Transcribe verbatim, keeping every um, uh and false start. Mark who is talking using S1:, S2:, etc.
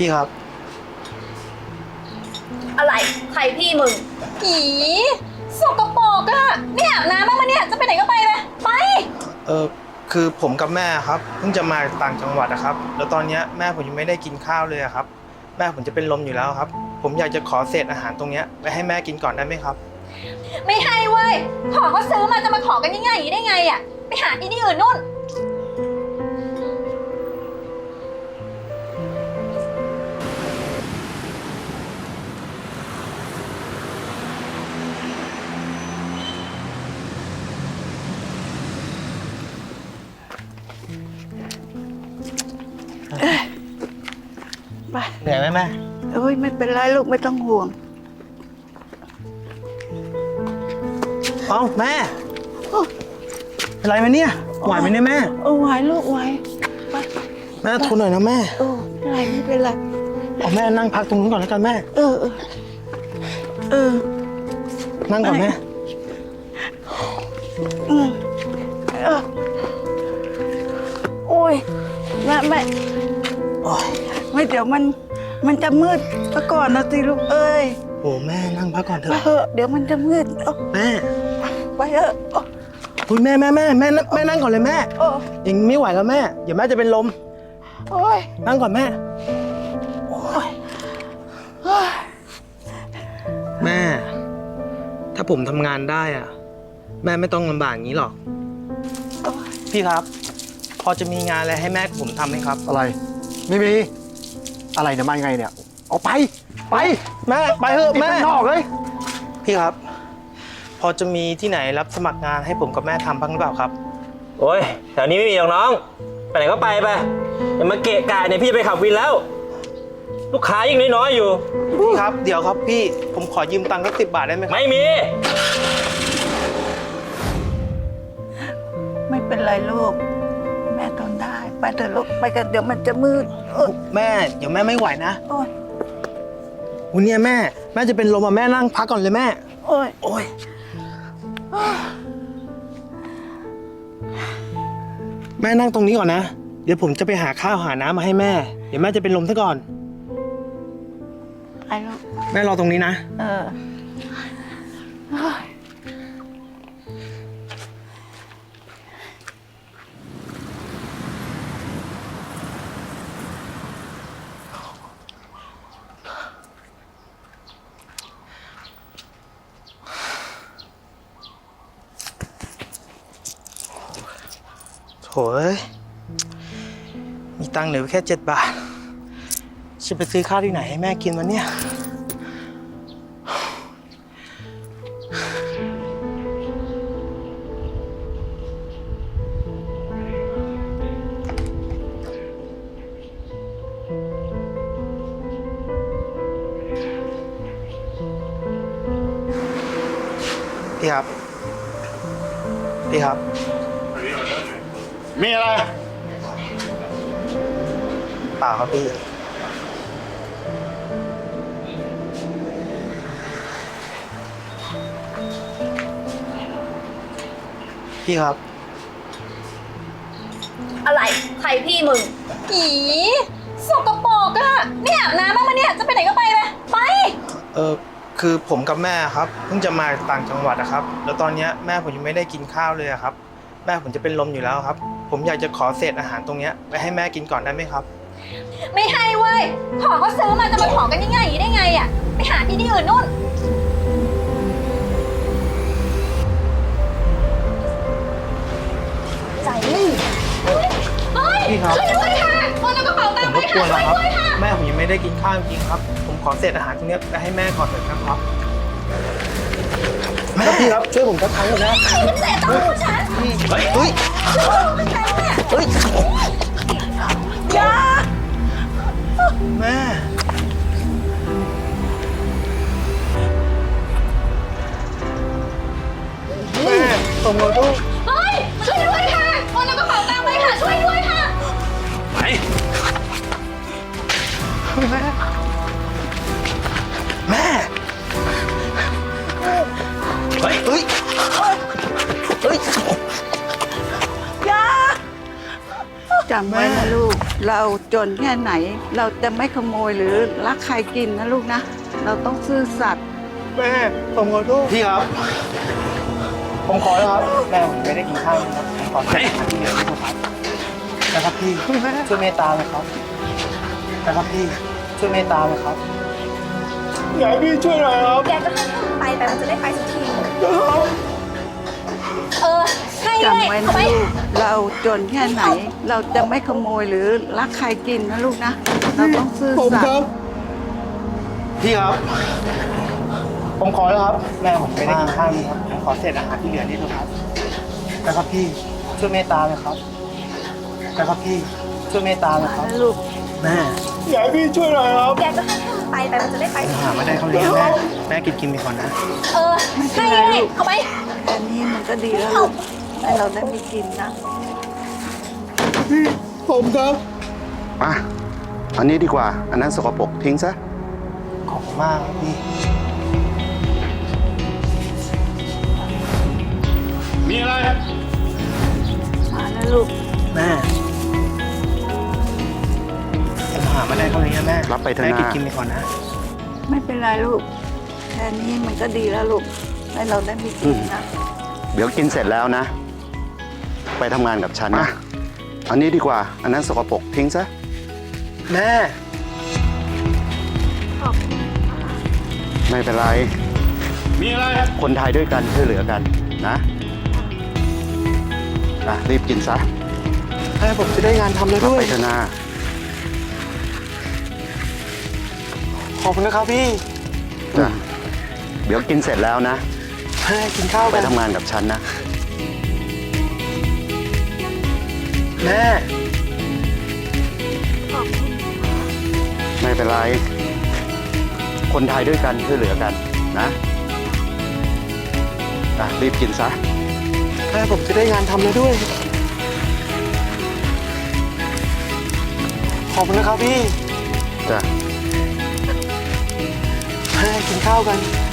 S1: พี่ครับ
S2: อะไรใครพี่มึงผีสกปรกอะไม่อาบน้ำบ้างมะเนี่ยจะไปไหนก็ไปไปไป
S1: เออคือผมกับแม่ครับเพิ่งจะมาต่างจังหวัดนะครับแล้วตอนนี้แม่ผมยังไม่ได้กินข้าวเลยครับแม่ผมจะเป็นลมอยู่แล้วครับผมอยากจะขอเศษอาหารตรงนี้ไปให้แม่กินก่อนได้ไหมครับ
S2: ไม่ให้เว้ยของเขาซื้อมาจะมาขอกันง่ายๆอย่างนี้ได้ไงอะไปหาที่นี่อื่นนู่น
S3: ไป
S1: เหนื่อยไหมแม่
S3: เอ้ยไม่เป็นไรลูกไม่ต้องห่วง
S1: เอ้าแม่เป็นไรไหมเนี่ยไหวไหมเนี่ยแม่
S3: เออไหวลูกไหวไป
S1: แม่ทนหน่อยนะแม่
S3: เออไม่เป็นไรไม่เป็นไร
S1: เอาแม่นั่งพักตรงนู้นก่อนแล้วกันแม่
S3: เออเออเออ
S1: นั่งก่อนแม่
S3: อืมเออโอ้ยแม่แม่
S1: โอ้ย
S3: ไม่เดี๋ยวมันมันจะมืดซะก่อนนะสิลูกเอ้ย
S1: โอ้แม่นั่งพักก่อนเถ
S3: ไป
S1: อะ
S3: เถอะเดี๋ยวมันจะมืด
S1: แม่
S3: ไปเถอะ
S1: คุณแม่แม่แม่แม่แม่นั่งก่อนเลยแม่ยังไม่ไหวแล้วแม่เดี๋ยวแม่จะเป็นลม
S3: โอ้ย
S1: นั่งก่อนแม่
S3: โอ้ย
S1: แม่ถ้าผมทำงานได้อะแม่ไม่ต้องลำบากอย่างนี้หรอกพี่ครับพอจะมีงานอะไรให้แม่ผมทำไหมครับ
S4: อะไรไม่มีอะไรเนี่ยมายังไงเนี่ยเอาไปไป
S1: แม่ไปเถอะแม่
S4: นอกเลย
S1: พี่ครับพอจะมีที่ไหนรับสมัครงานให้ผมกับแม่ทำบ้างหรือเปล่าครับ
S5: โอ้ยแถวนี้ไม่มีหรอกน้องไปไหนก็ไปไปอย่ามาเกะกะเนี่ยพี่จะไปขับวินแล้ว ลูกค้ายิ่งน้อยๆอยู่
S1: พี่ครับเดี๋ยวครับพี่ผมขอยืมตังค์สักสิบบาทได้ไหมครับ
S5: ไม่มี
S3: ไม่เป็นไรลูกแม่ทนได้ไปเถอะลูกไปกันเดี๋ยวมันจะมืด
S1: แม่เดี๋ยวแม่ไม่ไหวนะ
S3: โอ้ย
S1: วันนี้แม่แม่จะเป็นลมอ่ะแม่นั่งพักก่อนเลยแม่
S3: โอ้ย
S1: โอ้ยแม่นั่งตรงนี้ก่อนนะเดี๋ยวผมจะไปหาข้าวหาน้ำมาให้แม่เดี๋ยวแม่จะเป็นลมซะก่อน
S3: ไอ้ลูก
S1: แม่รอตรงนี้นะ
S3: เออ
S1: โถ่มีตังค์เหลือแค่เจ็ดบาทจะไปซื้อข้าวที่ไหนให้แม่กินวันเนี้ยพี่ครับพี่ครับ
S4: มีอะไร
S1: เปล่าครับพี่พี่ครับ
S2: อะไรใครพี่มึงผีสกปรกอะไม่อาบน้ำบ้างมะเนี่ยจะไปไหนก็ไปไปไป
S1: เออคือผมกับแม่ครับเพิ่งจะมาต่างจังหวัดนะครับแล้วตอนนี้แม่ผมยังไม่ได้กินข้าวเลยครับแม่ผมจะเป็นลมอยู่แล้วครับผมอยากจะขอเศษอาหารตรงนี้ไปให้แม่กินก่อนได้ไหมครับ
S2: ไม่ให้เว้ยของเขาซื้อมาจะมาขอกันง่ายๆอย่างนี้ได้ไงอะไปหาที่นี่อื่นนู่นใจเฮ้ยช่วยด้วยค่ะคนเอากระเป๋าตังค์ไปค่ะช่วยด้วยค่ะ
S1: แม่ผมยังไม่ได้กินข้าวจริงครับผมขอเศษอาหารตรงนี้ไปให้แม่ก่อนเถอะครับแม่พี่ครับช่วยผมสักครั้งนะ
S2: มันเศษตังค์ของฉัน
S1: เฮ้ยเฮ้ยเฮ้ย
S2: อย่า
S1: แม่แม่ส่งมาลูก
S2: เฮ้ยช่วยด้วยค่ะคนเอากระเป๋าตังค์ไปค่ะช่วยด้วยค่ะ
S5: ไป
S1: แม่แม่เฮ้ยเฮ้ยเฮ้ย
S3: อย่าจำไว้นะลูก เราจนแค่ไหน เราจะไม่ขโมยหรือลักใครกินนะลูกนะ เราต้องซื่อสัตย์
S1: แม่ผมขอโทษพี่ครับ ผมขอแล้วครับแม่ผมไม่ได้กินข้าวนะครับผมขอเศษอาหารที่เหลือด้วยครับนะครับพี่ช่วยเมตตาเลยครับนะครับพี่ช่วยเมตตาเลยครับอยากให้พี่ช่วยหน่อยครับ
S2: แกก็ให้ไปไปมันจะได้ไปสักทีเออให้เล
S3: จำ
S2: ย
S3: ไว้
S2: เอา
S3: นะ
S2: ไป
S3: ลูก เราจนแค่ไหน เราจะไม่ขโมยหรือลักใครกินนะลูกนะ เราต้องซื่อ
S1: ผม
S3: สัต
S1: ครั
S3: ย์
S1: บพี่ครับ ผมขอแล้วครับ แม่ผมไม่ได้กินข้าวนี่ครับผมขอเศษอาหารที่เหลือนี่ด้วยครับนะครับพี่ช่วยเมตตาเลยครับนะครับพี่ช่วยเมตตาเลยครับ
S3: นะลูก
S1: แม่อยากให้พี่ช่วยหน่อยครับ
S2: แกก็ให้ไปไปมันจะได้ไปสัก
S1: หา
S2: ที
S1: มาได้เขาเลี้ยงแม่แม่กินกินไปก่อนนะ
S2: เออให้เลยเอาไป
S3: แค่นี้มันก็ดีแล้วลูกให้เราได้มีกินนะ
S1: ผมครับ
S4: อ่ะอันนี้ดีกว่า อันนั้นสกปรกทิ้งซะ
S1: ขอบคุณมากครับพี่
S6: มีอะไร
S3: มานะลูก
S1: แม่ผมหามาได้เขาเลี้ยงแม่
S4: รับไปเถอะนะ
S1: แม่กินกินไปก่อนนะ
S3: ไม่เป็นไรลูก แค่นี้มันก็ดีแล้วลูก ให้เราได้มีกินนะ
S4: เดี๋ยวกินเสร็จแล้วนะ ไปทำงานกับฉันนะ อันนี้ดีกว่า อันนั้นสกปรกทิ้งซะ
S1: แม่
S4: ไม่เป็นไร
S6: มีอะไร
S4: คนไทยด้วยกันช่วยเหลือกันนะอ่ะรีบกินซะ
S1: แม่ผมจะได้งานทำแล้ว
S4: รับ
S1: ด้ว
S4: ไป
S1: ย
S4: เถอะนะ
S1: ขอบคุณนะครับพี่
S4: จ้ะเดี๋ยวกินเสร็จแล้วนะ
S1: แม่กินข้าว
S4: ไป
S1: กัน
S4: ทำงานกับฉันนะ
S1: แม่
S4: ไม่เป็นไร คนไทยด้วยกันช่วยเหลือกันนะอ่ะรีบกินซะ
S1: แม่ผมจะได้งานทำแล้วด้วย ขอบคุณนะครับพี่
S4: จ้ะ
S1: แม่กินข้าวกัน